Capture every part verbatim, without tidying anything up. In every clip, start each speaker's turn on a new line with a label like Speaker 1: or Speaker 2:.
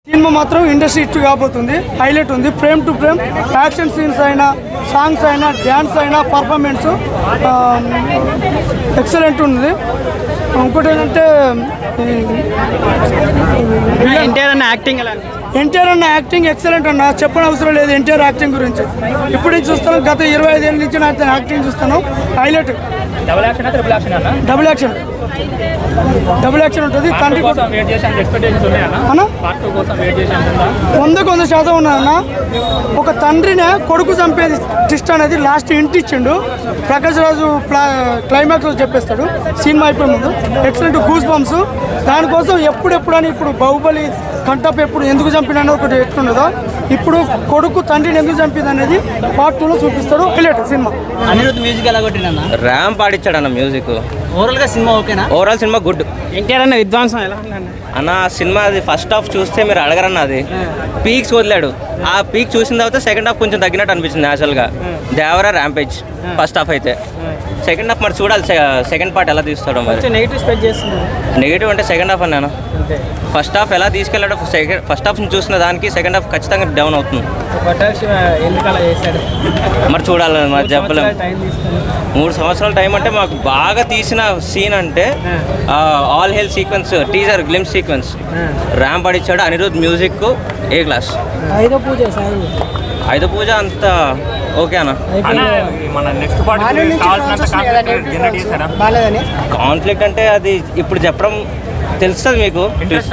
Speaker 1: Cinema మాత్రం industry hit కాబోతుంది. Highlight ఉంది. Frame to frame action scenes అయినా, సాంగ్స్ అయినా, డ్యాన్స్ అయినా, పర్ఫార్మెన్స్ ఎక్సలెంట్ ఉంది. ఇంకోటి ఏంటంటే
Speaker 2: ఎన్టీఆర్ అన్న యాక్టింగ్ ఎలా
Speaker 1: ఎన్టీఆర్ అన్న యాక్టింగ్ ఎక్సలెంట్ అన్న, చెప్పని అవసరం లేదు ఎన్టీఆర్ యాక్టింగ్ గురించి. ఇప్పుడు నుంచి చూస్తాను, గత ఇరవై ఐదేళ్ళ నుంచి నాకు యాక్టింగ్ చూస్తాను. Highlight.
Speaker 2: Double action triple action అన్న
Speaker 1: డబుల్ యాక్షన్ డబుల్ యాక్షన్ ఉంటుంది. తండ్రి వందకు వంద శాతం ఉన్నారన్న. ఒక తండ్రినే కొడుకు చంపేది ట్విస్ట్ అనేది లాస్ట్ ఇంటి ఇచ్చిండు. ప్రకాష్ రాజు క్లైమాక్స్ చెప్పేస్తాడు సినిమా అయిపోయే ముందు. Excellent goose bumps. దానికోసం ఎప్పుడెప్పుడు అని ఇప్పుడు బాహుబలి కంటప్ ఎప్పుడు ఎందుకు చంపినా ఒకటి ఎట్లుండదో ఇప్పుడు కొడుకు తండ్రిని ఎందుకు చంపింది అనేది పార్ట్ టూలో చూపిస్తాడు. Highlight cinema.
Speaker 2: అనిరుద్ధ్ మ్యూజిక్ ఎలా కొట్టినా
Speaker 3: ర్యామ్ పాడిచ్చాడు అన్న మ్యూజిక్.
Speaker 2: ఓవరాల్ గా సినిమా ఓకేనా?
Speaker 3: Overall cinema good.
Speaker 2: ఎన్టీఆర్ అన్న విద్వాంసం ఎలా
Speaker 3: అన్న సినిమా అది ఫస్ట్ హాఫ్ చూస్తే మీరు అడగరన్న, అది పీక్స్ వదిలాడు. ఆ పీక్ చూసిన తర్వాత సెకండ్ హాఫ్ కొంచెం తగ్గినట్టు అనిపించింది న్యాచురల్గా. దేవరా ర్యాంపేజ్ ఫస్ట్ హాఫ్ అయితే. సెకండ్ హాఫ్ మరి చూడాలి సెకండ్ పార్ట్ ఎలా తీస్తాడో మరి.
Speaker 2: నెగిటివ్ స్పెక్ట్ చేస్తున్నారు.
Speaker 3: నెగిటివ్ అంటే సెకండ్ హాఫ్ అన్నాను. ఫస్ట్ హాఫ్ ఎలా తీసుకెళ్ళాడో సెకండ్ ఫస్ట్ హాఫ్ చూసిన దానికి సెకండ్ హాఫ్ ఖచ్చితంగా డౌన్ అవుతుంది. మరి చూడాలి మరి చెప్పలేము. మూడు సంవత్సరాల టైం అంటే మాకు బాగా తీసిన సీన్ అంటే all hell sequence, teaser glimpse sequence. Ramp పడిచ్చాడు. Anirudh music A class.
Speaker 1: ఐదో పూజ
Speaker 3: ఐదో పూజ అంత ఓకే అన్న. కాన్ఫ్లిక్ట్ అంటే అది ఇప్పుడు చెప్పడం తెలుస్తుంది మీకు.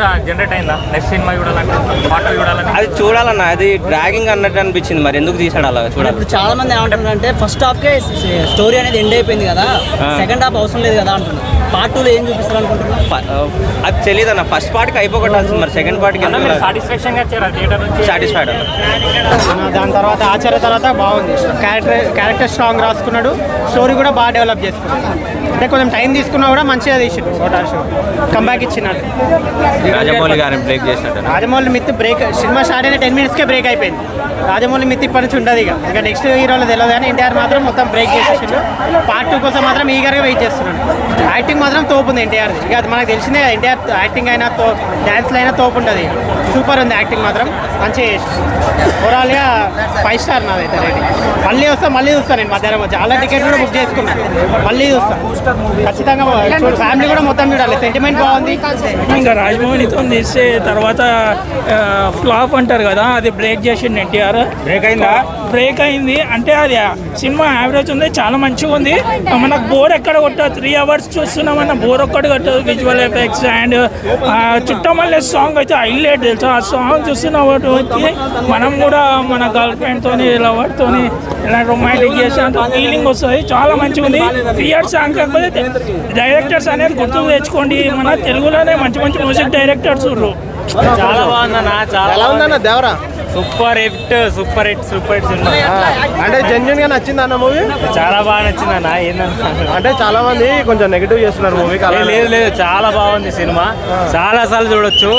Speaker 3: అది చూడాలన్న, అది డ్రాగింగ్ అన్నట్టు అనిపించింది. మరి ఎందుకు తీసాడు అలా చూడాలి.
Speaker 2: ఇప్పుడు చాలా మంది ఏమంటున్నారు అంటే ఫస్ట్ హాఫ్ కే స్టోరీ అనేది ఎండ్ అయిపోయింది కదా, సెకండ్ హాఫ్ అవసరం లేదు కదా అంటున్నారు. పార్ట్ టూలో ఏం చూపిస్తారు అనుకుంటున్నారు?
Speaker 3: అది తెలియదు అన్న. ఫస్ట్ పార్ట్కి అయిపోగొట్టాల్సింది, మరి సెకండ్ పార్ట్కి సాటిస్ఫైడ్ అన్న.
Speaker 4: దాని తర్వాత ఆచార్య తర్వాత బాగుంది. క్యారెక్టర్ క్యారెక్టర్ స్ట్రాంగ్ రాసుకున్నాడు. స్టోరీ కూడా బాగా డెవలప్ చేసుకున్నాడు. అంటే కొంచెం టైం తీసుకున్నా కూడా మంచిగా తీసాడు. ఓటార్ షో కంబ్యాక్ ఇచ్చినాడు.
Speaker 3: రాజమౌళి గారిని బ్రేక్ చేసినట్టు.
Speaker 4: Rajamouli myth break. Cinema start అయిన టెన్ మినిట్స్కే బ్రేక్ అయిపోయింది. రాజమౌళి మిత్ ఇప్పటి నుంచి ఉండదు ఇక. ఇంకా నెక్స్ట్ హీరోలో తెలియదు కానీ ఎన్టీఆర్ మాత్రం మొత్తం బ్రేక్ చేసేసిండు. పార్ట్ టూ కోసం మాత్రం ఈగర్గా వెయిట్ చేస్తున్నాడు. యాక్టింగ్ మాత్రం తోపు ఉంది ఎన్టీఆర్. ఇక అది మనకు తెలిసిందే. ఎన్టీఆర్ యాక్టింగ్ అయినా తో డ్యాన్స్లో అయినా తోపు ఉంటుంది. సూపర్ ఉంది యాక్టింగ్ మాత్రం. మంచిగా చేసి ఓవరాల్గా ఫైవ్ స్టార్ నాదైతే రేటింగ్. మళ్ళీ వస్తా మళ్ళీ చూస్తాను నేను మధ్యాహ్నం వచ్చి. చాలా టికెట్ కూడా బుక్ చేసుకున్నాను. మళ్ళీ చూస్తాను ఖచ్చితంగా. ఫ్యామిలీ కూడా మొత్తం చూడాలి. సెంటిమెంట్ బాగుంది.
Speaker 5: ఇంకా రాజమౌళితో తీసే తర్వాత ఫ్లాప్ అంటారు కదా, అది బ్రేక్ చేసిండు ఎన్టీఆర్.
Speaker 4: బ్రేక్ అయిందా?
Speaker 5: బ్రేక్ అయింది అంటే అది సినిమా యావరేజ్ ఉంది, చాలా మంచిగా ఉంది. మనకు బోర్ ఎక్కడ కొట్టదు. త్రీ అవర్స్ చూస్తున్నామన్న బోర్ ఒక్కటి కొట్టదు. విజువల్ ఎఫెక్ట్స్ అండ్ చుట్టమల్లే సాంగ్ అయితే హైలైట్ తెలుసు. ఆ సాంగ్ చూస్తున్న వాటి మనం కూడా మన గర్ల్ ఫ్రెండ్తో లవర్తో ఇలా రొమాంటిక్ చేసినంత ఫీలింగ్ వస్తుంది. చాలా మంచిగా ఉంది. థియేటర్ సాంగ్ కాకపోతే డైరెక్టర్స్ అనేది గుర్తు తెచ్చుకోండి. మన తెలుగులోనే మంచి మంచి మ్యూజిక్ డైరెక్టర్స్ ఉన్నారు.
Speaker 4: చాలా బాగుందన్న. చాలా ఉందన్న Devara.
Speaker 6: Super hit super hit super hit cinema.
Speaker 4: అంటే జెన్యున్ గా నచ్చింది అన్న మూవీ.
Speaker 6: చాలా బాగా నచ్చింది అన్న. ఏందన్నా
Speaker 4: అంటే చాలా మంది కొంచెం నెగిటివ్ చేస్తున్నారు మూవీ.
Speaker 6: లేదు లేదు చాలా బాగుంది సినిమా. చాలా సార్లు చూడొచ్చు.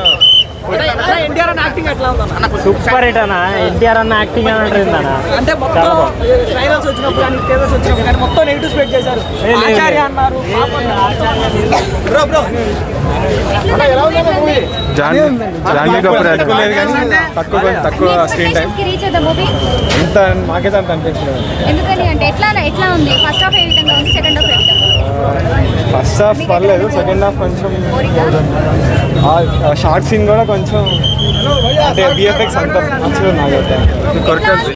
Speaker 6: సూపర్ హిట్ అన్న. ఎన్టీఆర్ అన్న యాక్టింగ్ అని అంటారు అన్న.
Speaker 2: అంటే ట్రైలర్స్ వచ్చినప్పుడు కానీ ట్రైలర్స్ వచ్చినప్పుడు కానీ మొత్తం నెగిటివ్ స్పెక్ట్ చేశారు. ఆచార్య అన్నారు. బ్రో బ్రో
Speaker 4: తక్కువ తక్కువ స్క్రీన్ టైం ఇంత మాకైతే అంత అనిపించలేదు.
Speaker 7: ఎందుకని అంటే ఎట్లా ఎట్లా ఉంది? ఫస్ట్ హాఫ్ ఏ విధంగా ఉంది, సెకండ్ హాఫ్ ఏ విధంగా ఉంది?
Speaker 4: ఫస్ట్ హాఫ్ పర్లేదు, సెకండ్ హాఫ్ కొంచెం షార్ట్ సీన్ కూడా కొంచెం అంటే విఎఫ్ఎక్స్ అంత మంచిగా నాకైతే.